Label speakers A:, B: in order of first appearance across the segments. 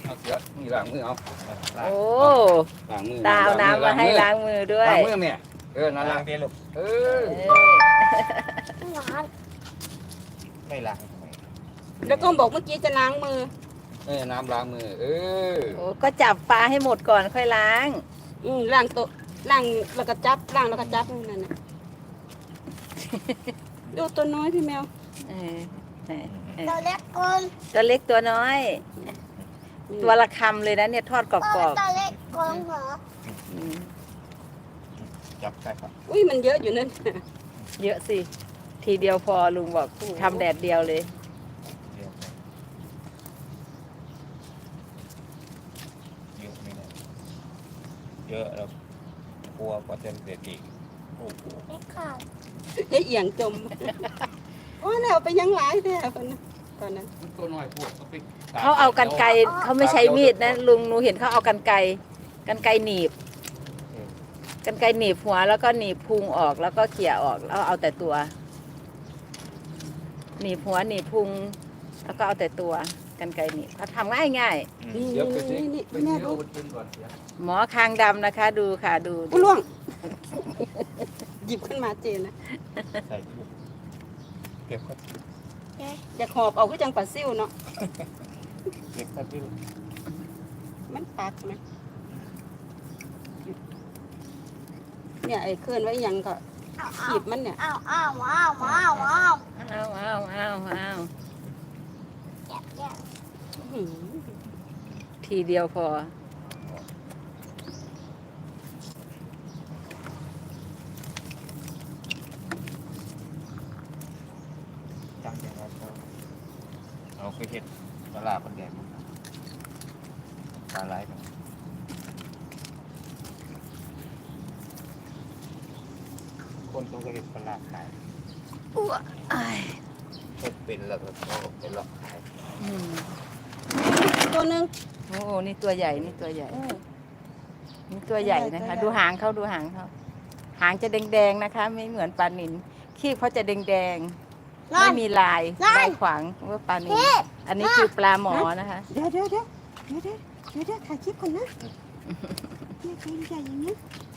A: เอาเสือนี่ล้างมือเอา
B: โอ้
A: ล้างมือ
B: ตาเอาน้ำมาให้ล้างมือด้วย
A: ล้างมือแม่นั่น
C: ล้า
A: ละ
C: งเตี้ยลูก
A: เออ
C: ไม่ล้าง
D: แล้วก็บอกเมื่อกี้จะล้างมือ
A: น้ำล้างมือ
B: โอ้ก็จับปลาให้หมดก่อนค่อยล้าง
D: ล้างโต๊ะล้างแล้วก็จับล้างแล้วก็จับนั่นน่ะดูตัวน้อยพี่แมว
B: เออเออเออ
E: ตัวเล็กก่อน
B: ตัวเล็กตัวน้อย ตัวละคำเลยนะเนี่ยทอดกรอบ
E: ตัวเล็กก่อนเหรอ
B: ๆอืม
C: จับใส่ครับ
D: อุ้ยมันเยอะอยู่นั่น
B: เยอะสิ ทีเดียวพอลุงบอกทำแดดเดียวเลย
C: เยอะไม่ได้เยอะแล้วกลัวก็จะเด็ดอีกโอ้โห
E: ไม่ขาด
D: ให้เอียงจมโอ้แล้วไปยังหลายแท้ตอนนั้น
A: ตัวน้อยพูด
B: เขาเอากันไกรเขาไม่ใช้มีดนะลุงหนูเห็นเขาเอากันไกรหนีบกันไกรหนีบหัวแล้วก็หนีบพุงออกแล้วก็เขี่ยออกแล้วเอาแต่ตัวหนีบหัวหนีบพุงแล้วก็เอาแต่ตัวกันไกรหนีบเขาทำง่าย
D: นี่
A: เดี๋ยวไปสิ
D: นี่
A: ไป
D: แม่
A: เดี๋ยว
D: ดู
A: เอาไปกินก่อนเสีย
B: ๆหมอคางดำนะคะ ดูค่ะดู
D: อุ้ยล่วง หยิบขึ้นมาเจนนะ
C: ใส่ลูกเก็บก็
D: อยากหอบเอาก็จังปลาซิ่วเนาะ
C: เก็บก็ที่
D: มันปักไหมเนี่ยไอ้เคลื่อนไว้ยังก็ขีบมันเนี่ย
E: อ้าวอ้าวอ้าวอ้าวอ้าว
B: เอา
E: แกะแกะ
D: อื้อหือ
B: ทีเดียวพอ
C: จังอย่างไรก็เราเคยเห็นปลาคนแดงปลาไหลกันคนต้องเคยเห็นปลาขาย
B: อ้วอ้าย
C: เป็นแล้วก็เป็นหลอกขาย
B: อืม
D: ตัวหนึง
B: โอ้โหนี่ตัวใหญ่นี่ตัวใหญ่นี่ตัวใหญ่นะคะ ดูหางเขาดูหางเขาหางจะแดงๆนะคะ ไม่เหมือนปลานิลขี้เขาจะแดงๆไม่มีลายลายขวางว่าปลานิลอันนี้คือปลาหมอนะคะ
D: เดี๋ยวถ่ายคลิปก่อนนะเนี่ยตัวใหญ่อย่างนี้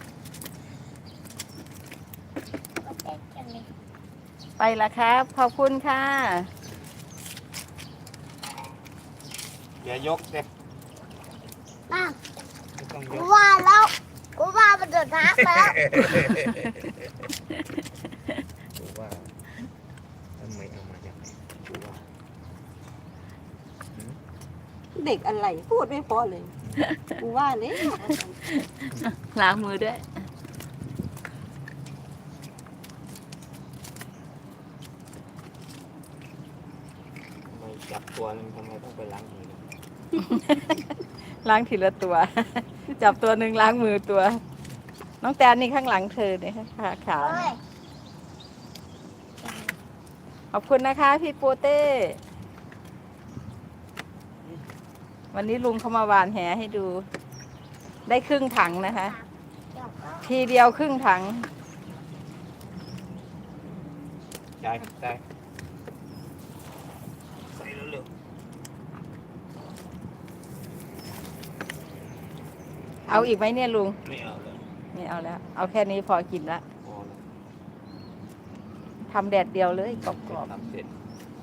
E: แกะกันเลย
B: ไปละครับขอบคุณค่ะ
C: อย่ายกเด็ก
E: น่ะ
C: ไม่ต้องย
E: กู
C: ก
E: ว่าแล้วกูว่ามันเดือดร้อนแล้ว
C: ดูว่าทำไมเอามาอย่างนี้ดูว่า
D: เด็กอะไรพูดไม่พอเลยกูว่าเลย
B: ล้างมือด้วย
C: ทำไมจับตัวนึงทำไมต้องไปล้างมือ
B: ล้างทีละตัว จับตัวหนึ่งล้างมือตัว น้องแตนนี่ข้างหลังเธอเนี่ยค่ะขา
E: เฮ้ย
B: ขอบคุณนะคะพี่โปเต้ วันนี้ลุงเขามาหวานแหให้ดู ได้ครึ่งถังนะคะ
E: เดี๋ยวก็
B: ทีเดียวครึ่งถัง
C: ใช่ใช่ใส่เร็ว
B: เอาอีกไหมเนี่ยลุง
C: ๆไม่เอาเลย
B: ไม่เอาแล้ว เอาแค่นี้พอกินละ
C: พอแล้ว
B: ทำแดดเดียวเลยกรอบ
C: ทำเสร็จ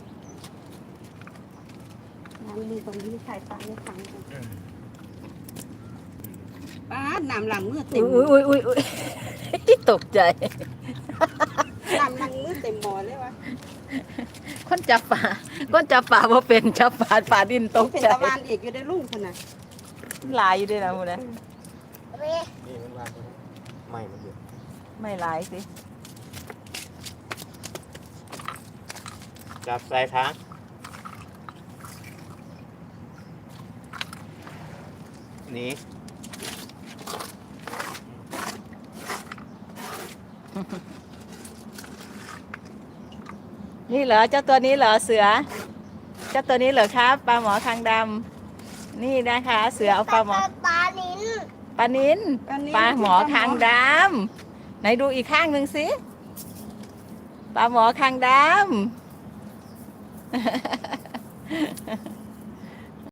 D: น้ำมือตรงนี้ถ่ายปลาไม่ฟังป้าน้ำหลังมือ
B: ๆ
D: เต็ม
B: อุ้ยตกใจ
D: น้ำหลังมือเต็มหมอเลยวะ
B: คนจับปลาว่าเป็นจับปลาดินตก
D: เป็น
B: ใจ
D: ตะวันอีกอยู่ได้ลุงขนาด
B: หลายอยู่ด้วยนะมูนะ
E: เว้ย
C: นี่มันวางตรงนี้ไม่มันเยอะ
B: ไม่หลายสิ
C: จับใส่ถังนี่
B: นี่เหรอเจ้าตัวนี้เหรอเสือ เจ้าตัวนี้เหรอครับปลาหมอคางดำนี่นะคะ เสือเอาปลาหมอ
E: ปลาลิ้น
B: ปลานินปลาหมอคางดำไหนดูอีกข้างหนึ่งสิปลาหมอคางดำ